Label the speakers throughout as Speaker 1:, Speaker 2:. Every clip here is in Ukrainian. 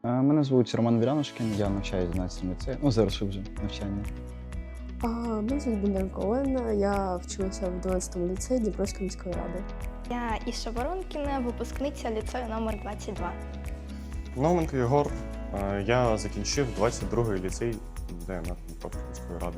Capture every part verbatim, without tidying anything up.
Speaker 1: Е, Мене звуть Роман Вілянушкін, я навчаюся в одинадцятому ліцеї, ну, завершив вже навчання.
Speaker 2: А, Мене звуть Бондаренко Олена, я вчилася в дванадцятому ліцеї Дніпровської міської ради.
Speaker 3: Я Іша Воронкіна, випускниця ліцею номер двадцять два.
Speaker 4: Науменко Єгор. Е, Я закінчив двадцять другий ліцей ДНР Дніпровської міської ради.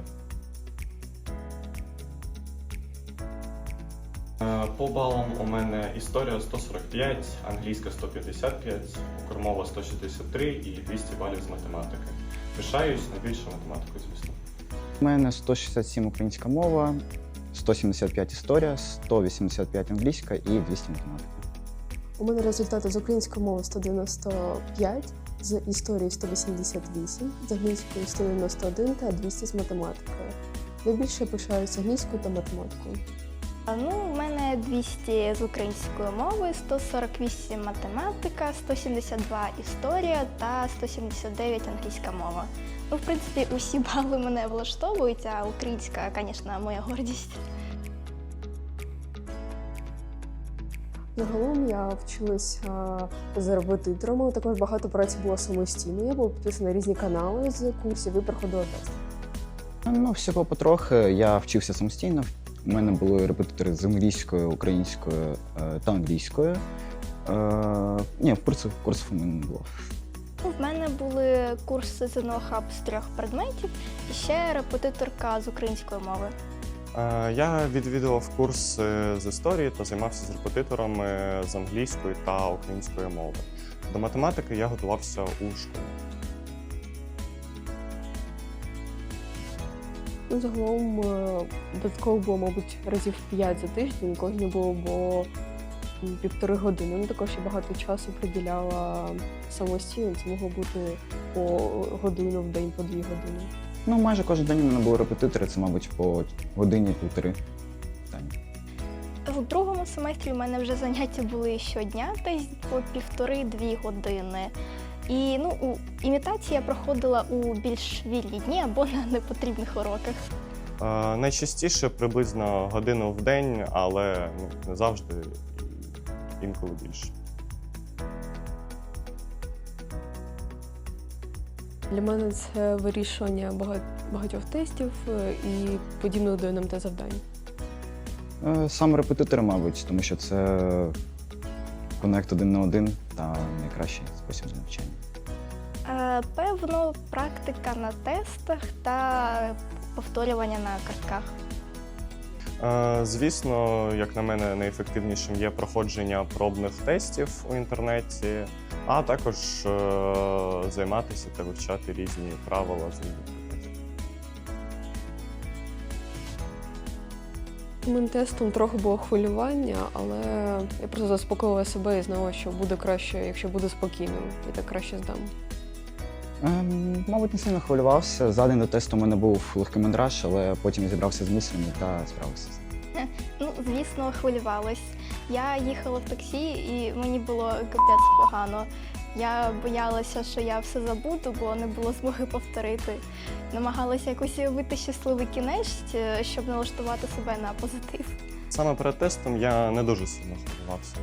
Speaker 4: Е, По балам у мене історія сто сорок п'ять, англійська сто п'ятдесят п'ять, укрмова сто шістдесят три і двісті балів з математики. Пишаюсь найбільше математикою, звісно.
Speaker 1: У мене сто шістдесят сім українська мова, сто сімдесят п'ять історія, сто вісімдесят п'ять англійська і двісті математика.
Speaker 2: У мене результати з української мови сто дев'яносто п'ять, з історії сто вісімдесят вісім, з англійської сто дев'яносто один та двісті з математикою. Найбільше пишаюся англійською та математикою.
Speaker 3: А, Ну, у мене двісті з української мови, сто сорок вісім математика, сто сімдесят два історія та сто сімдесят дев'ять англійська мова. Ну, в принципі, усі бали мене влаштовують, а українська, звісно, моя гордість.
Speaker 2: Загалом я вчилася за репетитором, але також багато праці було самостійно. Я була підписана на різні канали з курсів і проходила тест.
Speaker 1: Ну, всього потрохи, я вчився самостійно. У мене були репетитори з англійською, українською е, та англійською. Е, Ні, курсів, курсів у мене не було.
Speaker 3: Ну, в мене були курси з ен о хаб з трьох предметів і ще репетиторка з української мови.
Speaker 4: Е, Я відвідував курс е, з історії та займався з репетиторами з англійської та української мови. До математики я готувався у школі.
Speaker 2: Ну, загалом е, додатково було, мабуть, разів п'ять за тиждень, коли не було, бо м, півтори години. Ну, також я багато часу приділяла самостійно, це могло бути по годину в день, по дві години.
Speaker 1: Ну, майже кожен день у мене були репетитори, це, мабуть, по годині-півтори.
Speaker 3: У другому семестрі у мене вже заняття були щодня, десь по півтори-дві години. І ну, у імітації я проходила у більш вільні дні або на непотрібних уроках.
Speaker 4: Е, Найчастіше приблизно годину в день, але ну, не завжди, і інколи більше.
Speaker 2: Для мене це вирішування бага- багатьох тестів е, і подібних до ен ем те завдань.
Speaker 1: Е, Саме репетитори, мабуть, тому що це конект один на один та найкращий спосіб навчання.
Speaker 3: Е, Певно, практика на тестах та повторювання на картках.
Speaker 4: Е, Звісно, як на мене, найефективнішим є проходження пробних тестів у інтернеті, а також е, займатися та вивчати різні правила з різних предметів.
Speaker 2: Моїм тестом трохи було хвилювання, але я просто заспокоїла себе і знала, що буде краще, якщо буду спокійним, і так краще здам.
Speaker 1: Ем, Мабуть, не сильно хвилювався. За день до тесту у мене був легкий мандраж, але потім я зібрався з мислями та справився з ним.
Speaker 3: Ну, звісно, хвилювалась. Я їхала в таксі і мені було капець погано. Я боялася, що я все забуду, бо не було змоги повторити. Намагалася якось уявити щасливий кінець, щоб налаштувати себе на позитив.
Speaker 4: Саме перед тестом я не дуже сильно хвилювався.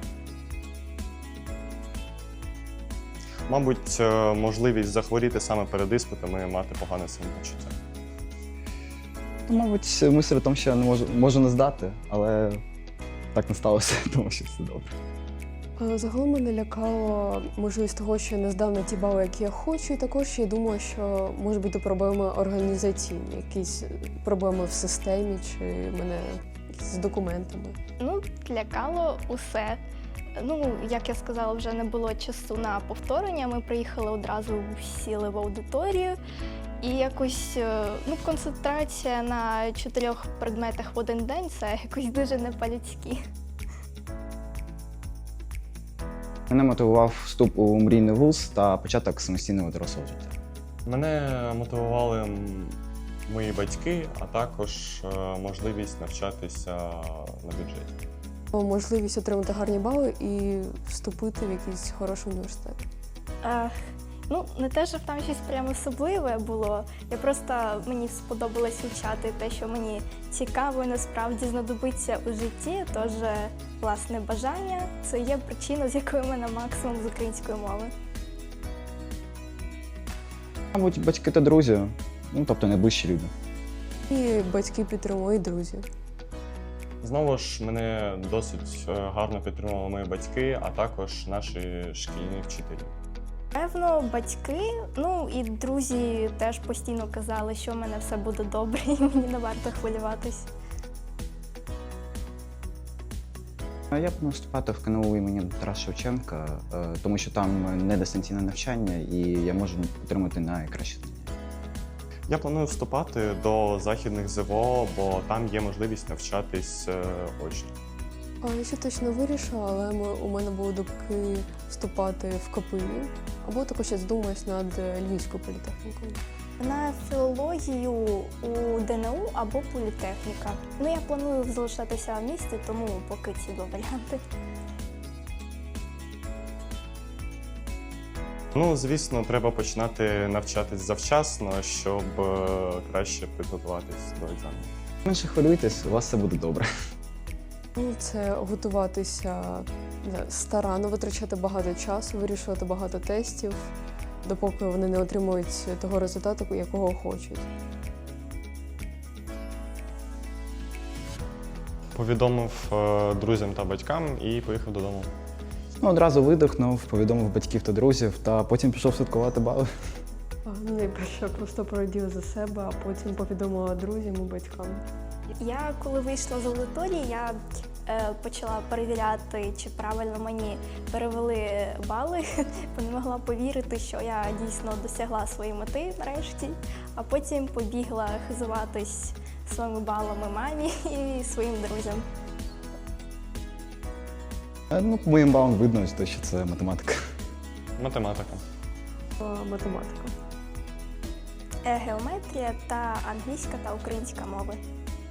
Speaker 4: Мабуть, е, можливість захворіти саме перед іспитами і мати погане самопочуття.
Speaker 1: Ну, мабуть, мисль в тому, що я не можу, можу не здати, але так не сталося, тому що все добре.
Speaker 2: Е, Загалом мене лякало можливість того, що я не здав на ті бали, які я хочу, і також я думала, що може бути проблеми організаційні, якісь проблеми в системі чи мене з документами.
Speaker 3: Ну, лякало усе. Ну, як я сказала, вже не було часу на повторення. Ми приїхали одразу, сіли в аудиторію. І якось е, ну, концентрація на чотирьох предметах в один день – це якось дуже не по-людськи.
Speaker 1: Мене мотивував вступ у мрійний вуз та початок самостійного дорослого життя.
Speaker 4: Мене мотивували м, мої батьки, а також е, можливість навчатися на бюджеті.
Speaker 2: Можливість отримати гарні бали і вступити в якийсь хороший університет.
Speaker 3: Е, ну, не те, щоб там щось прямо особливе було. Я просто, мені сподобалось вивчати те, що мені цікаво і насправді знадобиться у житті. Тож, власне, бажання – це є причина, з якою в мене максимум з української мови.
Speaker 1: Мабуть, батьки та друзі, ну тобто найближчі люди.
Speaker 2: І батьки підтримують, друзі.
Speaker 4: Знову ж мене досить е, гарно підтримували мої батьки, а також наші шкільні вчителі.
Speaker 3: Певно, батьки, ну і друзі теж постійно казали, що в мене все буде добре і мені не варто хвилюватись.
Speaker 1: А Я планую вступати в КНУ імені Тараса Шевченка, е, тому що там не дистанційне навчання і я можу отримати найкраще знання.
Speaker 4: Я планую вступати до західних ЗВО, бо там є можливість навчатись е, очно.
Speaker 2: А я ще точно вирішила, але ми, у мене були думки вступати в КПІ, або також я задумаюсь над Львівською політехнікою.
Speaker 3: На філологію у ДНУ або політехніка. Ну, я планую залишатися в місті, тому поки ці два варіанти.
Speaker 4: Ну, звісно, треба починати навчатись завчасно, щоб е, краще підготуватись до екзамену.
Speaker 1: Менше хвилюйтесь, у вас все буде добре.
Speaker 2: Ну, це готуватися не знаю, старанно, витрачати багато часу, вирішувати багато тестів, допоки вони не отримують того результату, якого хочуть.
Speaker 4: Повідомив е, друзям та батькам і поїхав додому.
Speaker 1: Ну, одразу видихнув, повідомив батьків та друзів, та потім пішов святкувати бали.
Speaker 2: А, ну, найперше просто пораділа за себе, а потім повідомила друзям і батькам.
Speaker 3: Я коли вийшла з аудиторії, я е, почала перевіряти, чи правильно мені перевели бали, бо не могла повірити, що я дійсно досягла своєї мети нарешті, а потім побігла хизуватись своїми балами мамі і своїм друзям.
Speaker 1: Е, Ну, по моїм балам видно, що це математика.
Speaker 4: Математика.
Speaker 2: А, математика.
Speaker 3: Е, Геометрія та англійська та українська мови.